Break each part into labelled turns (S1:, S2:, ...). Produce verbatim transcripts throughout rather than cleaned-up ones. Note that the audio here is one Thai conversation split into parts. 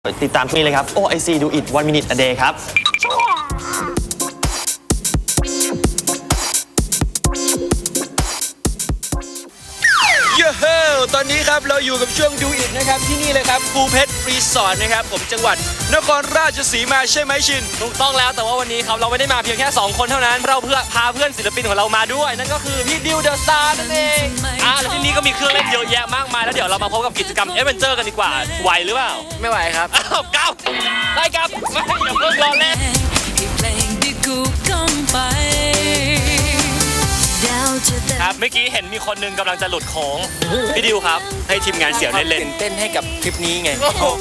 S1: ติดตามที่นี่เลยครับ โอ ไอ ซี Do It One Minute a Day ครับ
S2: เย้เฮ้ตอนนี้ครับเราอยู่กับช่วงดูอิทนะครับที่นี่เลยครับภูเพชรรีสอร์ทนะครับผมจังหวัดนครราชสีมาใช่ไหมชินถูกต้องแล้วแต่ว่าวันนี้ครับเราไม่ได้มาเพียงแค่สองคนเท่านั้นเราเพื่อพาเพื่อนศิลปินของเรามาด้วยนั่นก็คือพี่ดิวเดอะสตาร์นั่นเองอ่าแล้วที่นี่ก็มีเครื่องเล่นเยอะแยะมากมายแล้วเดี๋ยวเรามาพบกับกิจกรรมเอเวนเจอร์กันดีกว่าไหวหรือเปล่าไม่ไหวครับอ้าวก้าวได้ครับไม่อย่าเพิ่งรอเล่นครับเมื่อกี้เห็นมีคนนึงกำลังจะหลุดโค้งพี่ดิวครับให้ทีมงานเสี่ยวเล่นๆเต้นให้กับคลิปนี้ไง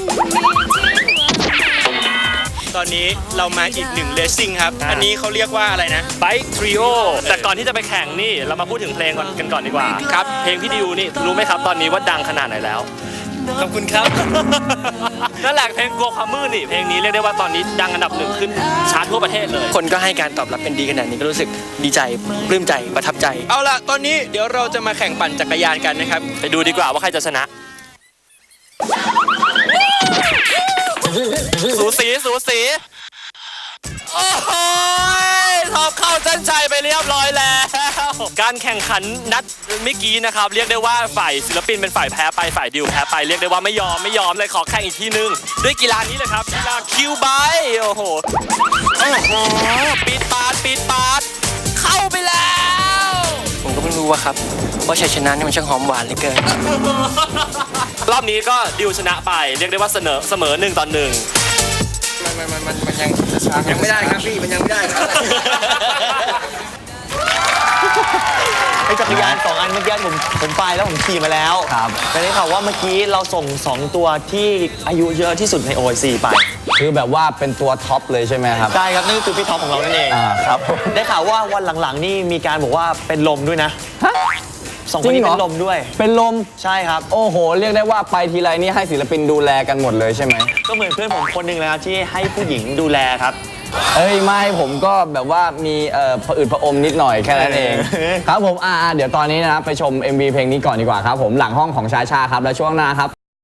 S2: ตอนนี้เรามาอีกหนึ่งเลสซิ่งครับอันนี้เขาเรียกว่าอะไรนะ Bike Trio แต่ก่อนที่จะไปแข่งนี่เรามาพูดถึงเพลงกันก่อนดีกว่าครับเพลงพี่ดิวนี่รู้ไหมครับตอนนี้ว่าดังขนาดไหนแล้วขอบคุณครับนั่นแหละเพลงกลัวความมืดนี่เพลงนี้เรียกได้ว่าตอนนี้ดังอันดับหนึ่งขึ้นชาร์ตทั่วประเทศเลยคนก็ให้การตอบรับเป็นดีขนาดนี้ก็รู้สึกดีใจปลื้มใจประทับใจเอาล่ะตอนนี้เดี๋ยวเราจะมาแข่งปั่นจักรยานกันนะครับไปดูดีกว่าว่าใครจะชนะสูสีสูสีโอ้โหท็อปเข้าเส้นชัยไปเรียบร้อยแล้วการแข่งขันนัดเมื่อกี้นะครับเรียกได้ว่าฝ่ายศิลปินเป็นฝ่ายแพ้ไปฝ่ายดิวแพ้ไปเรียกได้ว่าไม่ยอมไม่ยอมเลยขอแข่งอีกทีนึงด้วยกีฬานี้เลยครับกีฬาคิวไบโอ้โหโอ้โหปีดปาดปีดปาดเข้าไปแล้วผมก็เพิ่งรู้ว่าครับว่าชัยชนะนี่มันช่างหอมหวานเหลือเกินรอบนี้ก็ดิวชนะไปเรียกได้ว่าเสนอเสมอหนึ่งต่อหนึ่งมันมันมันมันยังยังไม่ได้ครับพี่มันยังไม่ได้ครับ
S1: ไอ้จักรยานสองอันเมื่อกี้ผมผมไปแล้วผมขี่มาแล้วครับแต่ได้ข่าวว่าเมื่อกี้เราส่งสองตัวที่อายุเยอะที่สุดใน โอ ไอ ซี ไป
S3: คือแบบว่าเป็นตัวท็อปเลยใช่ไหมครับ
S1: ใช่ครับนั่นก็คือพี่ท็อปของเรานั่นเอง
S3: อ่าครับ
S1: ได้ข่าวว่าวันหลังๆนี่มีการบอกว่าเป็นลมด้วยนะสองคนนี้เป็นลมด้วย
S3: เป็นลม
S1: ใช่ครับ
S3: โอ้โหเรียกได้ว่าไปทีไรนี่ให้ศิลปินดูแลกันหมดเลยใช่ไหม
S1: ก็เหมือนเพื่อนผมคนหนึ่งเลยครับที่ให้ผู้หญิงดูแลครับ
S3: เอ้ยไม่ผมก็แบบว่ามีเอ่อผะอืดผะอมนิดหน่อยแค่นั้นเองครับผมอ่าเดี๋ยวตอนนี้นะไปชม เอ็ม วี เพลงนี้ก่อนดีกว่าครับผมหลังห้องของชาชาครับแล้วช่วงหน้าครับ